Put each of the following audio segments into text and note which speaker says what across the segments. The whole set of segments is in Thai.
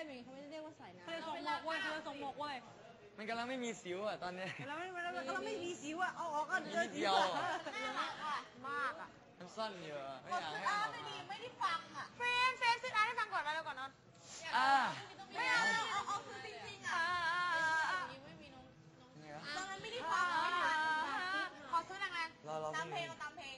Speaker 1: เหมือนเขาไม่ได้เรียกว่าสายน้ำ
Speaker 2: เขาเลยส่งหมกเว้ยเขาเลยส่งหมกเว้ย
Speaker 3: มันกำลังไม่มีสิวอ่ะตอนนี้
Speaker 2: แล้วไม่มีสิวอ่ะเอาออกก็เจอสิว
Speaker 4: น่ารักอ่ะมากอ่ะ
Speaker 3: มันสั้นเยอะไม่อยากให้
Speaker 4: อาไม่ดีไม่ได้ฟังอ่ะเฟรมซื้ออาร์ให้ฟังก่อนมาแล้วก่อนนอนไม่เอาคือจริงๆอ่ะไม่มีน้องตอนนั้นไม่ได้ฟังขอซื้อแรงๆตามเพลงตามเพลง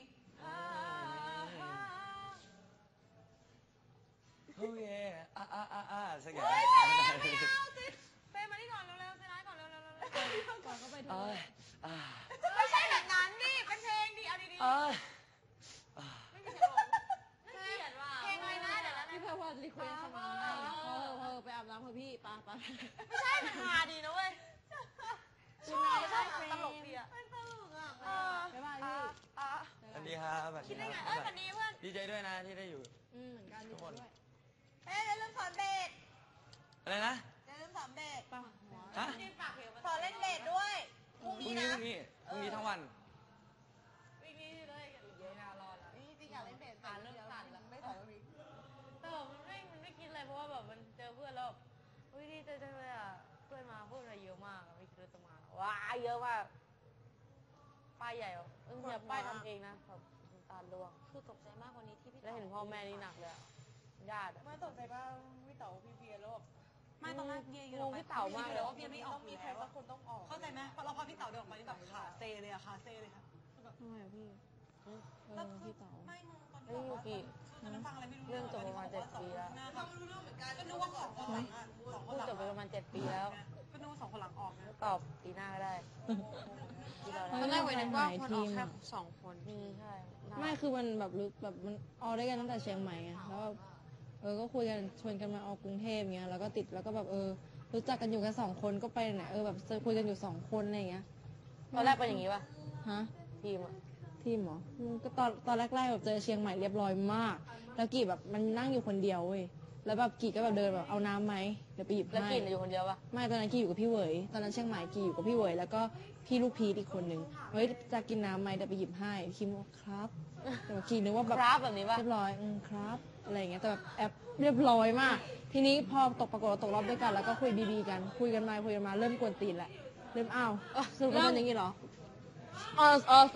Speaker 3: โอ้ยสักอย่าง
Speaker 4: เฟรมมาที่ก่อนเร็วๆซื้อร้านก่อนเร็ว
Speaker 1: ก่อนเข้าไปดู
Speaker 4: ไม่ใช่แบบนั้นดิเป็นเพลงดิเอาดีๆไม่มีเสียงเพลงอะไรนะเดี๋ยวนะ
Speaker 1: พี่เพื่อนว่ารีเควสมาไปอาบน้ำเพื่อพี่ปะ
Speaker 4: ไม่ใช่มันฮาดีนะเว้ยชอบตลกดีอ่ะมันตลกอ่ะ
Speaker 1: ไปบ้านพี่
Speaker 3: สวัสดีครับ
Speaker 4: คิดได้ไงวันนี้เพื่อน
Speaker 3: ดีใจด้วยนะที่ได้อยู่
Speaker 1: เหมือนกันทุกคนด้วย
Speaker 4: อย่าลืมสอนเบส
Speaker 3: อะไรนะ
Speaker 4: อย่าลืมสอนเบส
Speaker 3: ฮะ
Speaker 4: สอนเล่นเบสด้วย
Speaker 3: พรุ่งนี้ทั้งวัน
Speaker 4: วีคนี้เลยเยอะน่ารอแล้วจริงอยากเล่นเบสเริ่มสั่นแล้วไม่สอนวีคแต่มันไม่คิดเลยเพราะว่าแบบมันเจอเพื่อนแล้ววิดีเจอเลยอ่ะเพื่อนมาพูดอะไรเยอะมากไม่คิดว่าจะมาว้าเยอะมากป้ายใหญ่แบบเนี่ยป้ายทำเองนะแบบตาล่วง
Speaker 1: คือตกใจมากกว่านี้ที่พี่
Speaker 4: แล้วเห็นพ่อแม่นี่หนักเลยญาติ
Speaker 2: ไม่ตกใจป่ะพี่เต๋อพี่เบียร์โลกไม่ตอนแรกเบียร์
Speaker 4: งงพี่เต๋ามากเลย
Speaker 2: ว่าเบียร์ไม่ออกมีใครสักคนต้องออกเข้าใจไหมพอพี่เต๋าเดินออกมานี่แบบขาเซเลยอะขาเซเลยค่ะ
Speaker 1: ทำไมอะพี่พี่เต๋า
Speaker 2: ไม่มึงตอนที่บอกว่าตอนนั้นฟังอะไรไม่รู้
Speaker 4: เรื่องจบประมาณ7 ปีแล้ว
Speaker 2: ฟังไม่รู้เรื่องเหมือนกันก็นึกว่า2 คนหลัง
Speaker 4: พูดจบไปประมาณ7 ปีแล้ว
Speaker 2: ก็นึกว่า2 คนหลังออกนะ
Speaker 4: ตอบปีหน้าก็ได้
Speaker 1: ตอนแรกวันนึกว่าคนออกแค่
Speaker 4: 2 คนใช่
Speaker 1: ไม่คือมันแบบมันออกได้กันตั้งแต่เชียงใหม่ไงแล้วก็คุยกันชวนกันมาออกกรุงเทพเงี้ยแล้วก็ติดแล้วก็แบบรู้จักกันอยู่กัน2 คนก็ไปไหนแบบคุยกันอยู่2 คนอะไรเงี้ย
Speaker 4: ตอนแรกเป็นอย่างนี้ป่ะ
Speaker 1: ฮะ
Speaker 4: ทีม
Speaker 1: เหรอก็ตอนแรกๆแบบเจอเชียงใหม่เรียบร้อยมากแล้วกี่แบบมันนั่งอยู่คนเดียวเว้ยแล้วแบบกี่ก็แบบเดินแบบเอาน้ำไหมเดี๋ยวไปหยิบให้
Speaker 4: แล้วกี่อยู่คนเดียวป่ะ
Speaker 1: ไม่ตอนนั้นกี่อยู่กับพี่เหวยตอนนั้นเชียงใหม่กี่อยู่กับพี่เหวยแล้วก็พี่ลูกพีอีกคนนึงเฮ้ยจะกินน้ำไหมเดี๋ยวไปหยิบให้คิมว่าครับแต่กี่นึกว่าแบบ
Speaker 4: นี้ป่ะ
Speaker 1: เรียบร้อยครับอะไรอย่างเงี้ยแต่แบบแอบเรียบร้อยมากทีนี้พอปรากฏตกรอบด้วยกันแล้วก็คุยบีกันคุยกันมาเริ่มกวนตีนแหละเริ่มอ้าวสรุปเป็นอย่างงี้เหรอขอโทษ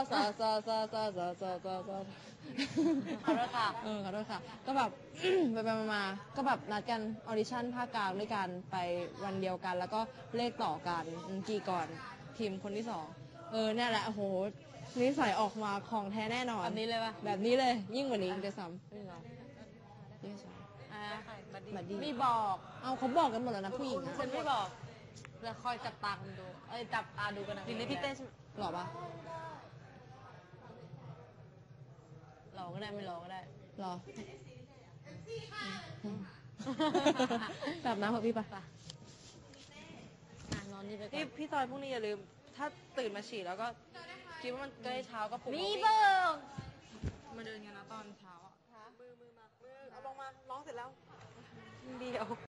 Speaker 1: ค่ะขอโทษค่ะก็แบบไปมาก็แบบนัดกันออดิชั่นภาคกลางด้วยกันไปวันเดียวกันแล้วก็เลขต่อกันกี่ก่อนทีมคนที่2เนี่ยแหละโอ้โหนิสัยออกมาของแท้แน่นอน
Speaker 4: แบบนี้เลยป่ะ
Speaker 1: แบบนี้เลยยิ่งกว่านี้จะซ้ำ
Speaker 4: ไม่บอก
Speaker 1: เขาบอกกันหมดแล้วนะผู้หญิง
Speaker 4: ฉันไม่บอกจะคอยจับตาดูจับตาดูกันนะ
Speaker 1: ดินได้พี่เต้หล่อปะ
Speaker 4: หล่อก็ได้ไม่หล่อก็ได้
Speaker 1: หล่อแบบน้ำเหรอพี่ปะ
Speaker 4: นอนนี่ไปก่
Speaker 2: อนพี่ซอยพรุ่งนี้อย่าลืมถ้าตื่นมาฉี่แล้วก็คิดว่ามันใกล้เช้าก็ปลุก
Speaker 4: มีเบิร์
Speaker 2: มาเดินกันนะตอนเช้ามือเอาลงมาร้องเสร็จแล้วเดียว